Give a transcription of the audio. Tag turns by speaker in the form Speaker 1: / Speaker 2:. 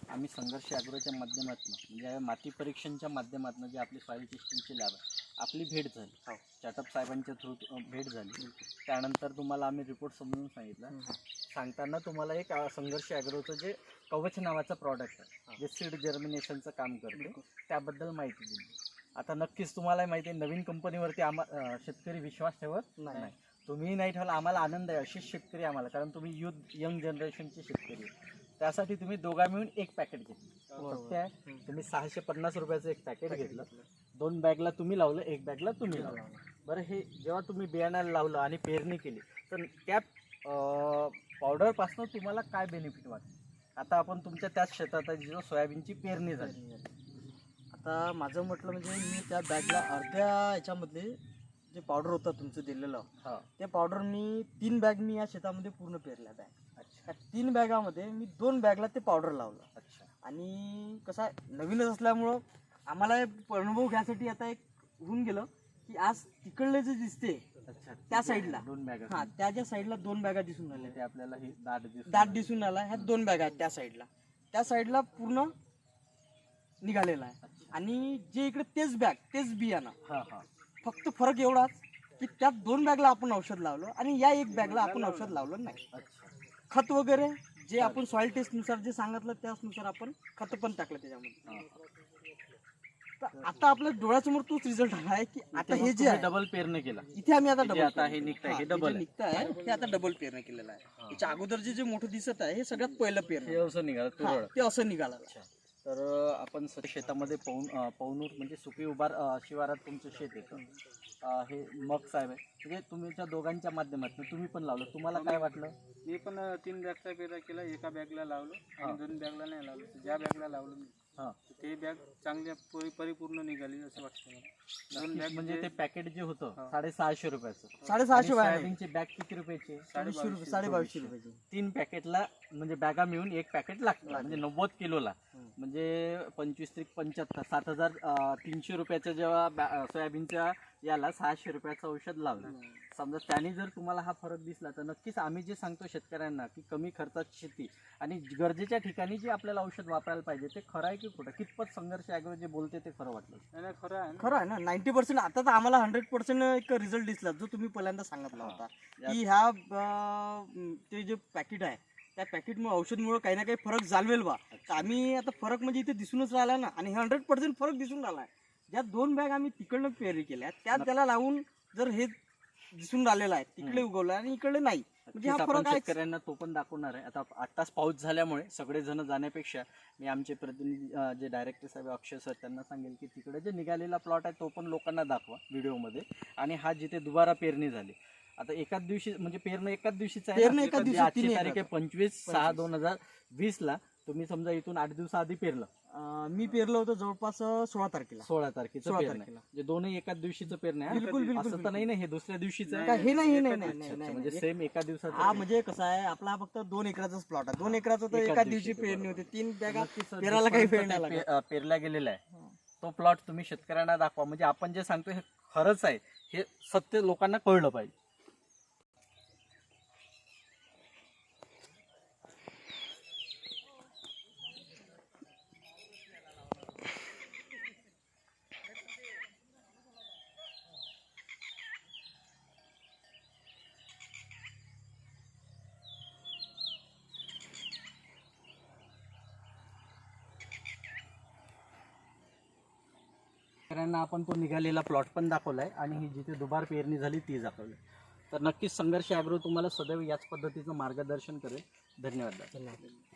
Speaker 1: आम्ही संघर्ष ॲग्रोच्या माध्यमातून म्हणजे माती परीक्षणच्या माध्यमातून जे आपली सॉईल टेस्टिंगची लॅब आहे आपली भेट झाली, चॅटअप साहेबांच्या थ्रू भेट झाली. त्यानंतर तुम्हाला आम्ही रिपोर्ट समजून सांगितलं. सांगताना तुम्हाला एक संघर्ष ॲग्रोचं जे कवच नावाचं प्रॉडक्ट आहे जे सीड जर्मिनेशनचं काम करते त्याबद्दल माहिती दिली. आता नक्कीच तुम्हाला माहिती आहे नवीन कंपनीवरती शेतकरी विश्वास ठेवत नाही. तुम्ही नाही ठेवला आम्हाला आनंद आहे. असेच शेतकरी आम्हाला, कारण तुम्ही यंग जनरेशनचे शेतकरी आहे. त्यासाठी तुम्ही दोघा मिळून एक पॅकेट घेतलं. सत्य आहे, तुम्ही 650 रुपयाचं एक पॅकेट घेतलं. 2 बॅगला तुम्ही लावलं, 1 बॅगला तुम्ही लावलं. बरं, हे जेव्हा तुम्ही बियाण्याला लावलं आणि पेरणी केली तर त्या पावडरपासून तुम्हाला काय बेनिफिट वाटतं? आता आपण तुमच्या त्याच शेतात जो सोयाबीनची पेरणी झाली.
Speaker 2: आता माझं म्हटलं म्हणजे मी त्या बॅगला अर्ध्या याच्यामधले जे पावडर होतं तुमचं दिलेलं, ते पावडर मी 3 बॅग मी या शेतामध्ये पूर्ण पेरल्या बॅग. अच्छा. 3 बॅगामध्ये मी 2 बॅगला ते पावडर लावलं. अच्छा. आणि कसं आहे नवीनच असल्यामुळं आम्हाला अनुभव घ्यायसाठी आता एक होऊन गेलं की आज तिकडले जे दिसते त्या साईडला
Speaker 1: 2 बॅग,
Speaker 2: हां त्याच्या साईडला 2 बॅगा दिसून आल्या.
Speaker 1: ते आपल्याला हे
Speaker 2: दाट दिसून आला. ह्या 2 बॅगा आहेत त्या साईडला पूर्ण निघालेला आहे. आणि जे इकडे तेच बॅग तेच बियाणं, फक्त फरक एवढाच की त्या 2 बॅगला आपण औषध लावलं आणि या 1 बॅगला आपण औषध लावलं नाही. खत वगैरे जे आपण सॉइल टेस्ट नुसार जे सांगितलं त्यानुसार आपण खत पण टाकलं त्याच्यामध्ये. तर आता आपल्या डोळ्यासमोर तोच रिझल्ट आला आहे की आता हे जे
Speaker 1: डबल पेरणी केला
Speaker 2: इथे आम्ही आता डबल
Speaker 1: आता हे निघतंय, हे डबल
Speaker 2: निघतंय, हे आता डबल पेरणी केलेलं आहे. याच्या अगोदर जे मोठं दिसत आहे हे सगळ्यात पहिलं पेरणी
Speaker 1: असं निघालं,
Speaker 2: ते असं निघालं.
Speaker 1: तर आपण शेतामध्ये पवनूर म्हणजे सुपी उभार शिवारात तुमचं शेत येतं. हे मग साहेब आहे म्हणजे तुमच्या दोघांच्या माध्यमातून तुम्ही पण लावलं. तुम्हाला काय वाटलं?
Speaker 3: मी पण 3 बॅगचा पेरा केला. एका बॅगला लावलं आणि 2 बॅगला नाही लावलं. ज्या बॅगला लावलं मी ते बॅग चांगल्या परिपूर्ण निघाली असं वाटतं मला. 2 बॅग
Speaker 1: म्हणजे ते पॅकेट जे होतं 650 रुपयाचं,
Speaker 2: 650
Speaker 1: सोयाबीनची बॅग किती रुपयाची?
Speaker 2: 2250 रुपयाची.
Speaker 1: 3 पॅकेटला म्हणजे बॅगा मिळून 1 पॅकेट लागतं म्हणजे 90 किलोला म्हणजे 25 त्रिक 75 7300 रुपयाचं जेव्हा सोयाबीनच्या याला 600 रुपयाचं औषध लावलं. समजा त्याने जर तुम्हाला हा फरक दिसला तर नक्कीच आम्ही जे सांगतो शेतकऱ्यांना की कमी खर्चाची शेती आणि गरजेच्या ठिकाणी जे आपल्याला औषध वापरायला पाहिजे ते खरं आहे की खोटं? कितपत संघर्ष ॲग्रो जे बोलते ते खरं वाटलं?
Speaker 3: नाही,
Speaker 2: खरं आहे ना. 90% आता तर आम्हाला 100% एक रिझल्ट दिसला जो तुम्ही पहिल्यांदा सांगितला होता की ह्या ते जे पॅकेट आहे त्या पॅकेटमुळे औषधमुळे काही ना काही फरक जाणवेल बा. तर आम्ही आता फरक म्हणजे इथे दिसूनच राहिला ना. आणि 100% फरक दिसून राहिला आहे. ज्या 2 बॅग आम्ही तिकडनं पेरणी केल्या त्याला लावून जर हे दिसून राहिलेलं आहे तिकडे उगवलं आणि इकडे नाही म्हणजे हा फरक आहे.
Speaker 1: शेतकऱ्यांना तो पण दाखवणार आहे. आता 8 तास पाऊस झाल्यामुळे सगळे जण जाण्यापेक्षा मी आमचे प्रतिनिधी जे डायरेक्टर साहेब अक्षय सर त्यांना सांगेल की तिकडे जे निघालेला प्लॉट आहे तो पण लोकांना दाखवा व्हिडिओमध्ये. आणि हा जिथे दुबारा पेरणी झाली आता एकाच दिवशी म्हणजे पेरणं एकाच दिवशीच आहे. आजची तारीख आहे 25/6/2020 तुम्ही समजा इथून 8 दिवसाआधी पेरलं.
Speaker 2: मी पेरलं होतं जवळपास 16 तारखेला.
Speaker 1: 16 तारखेचं पेरणं म्हणजे दोन्ही एकाच दिवशीचं पेरणं आहे.
Speaker 2: बिलकुल
Speaker 1: असं तर नाही ना हे दुसऱ्या दिवशीचं
Speaker 2: आहे? हे नाही
Speaker 1: म्हणजे सेम एका दिवसात.
Speaker 2: हा म्हणजे कसं आहे आपला फक्त 2 एकराचाच प्लॉट आहे. 2 एकराचं तर एका दिवशी पेरणी होते. 3 बॅगा पेरायला काही वेळ नाही
Speaker 1: पेरला गेलेला आहे तो प्लॉट तुम्ही शेतकऱ्यांना दाखवा. म्हणजे आपण जे सांगतो हे खरंच आहे हे सत्य लोकांना कळलं पाहिजे. शेतकऱ्यांना आपण तो निघालेला प्लॉट पण दाखवलाय आणि ही जिथे दुबार पेरणी झाली ती दाखवली. तर नक्कीच संघर्ष ॲग्रो तुम्हाला सदैव याच पद्धतीचं मार्गदर्शन करेल. धन्यवाद.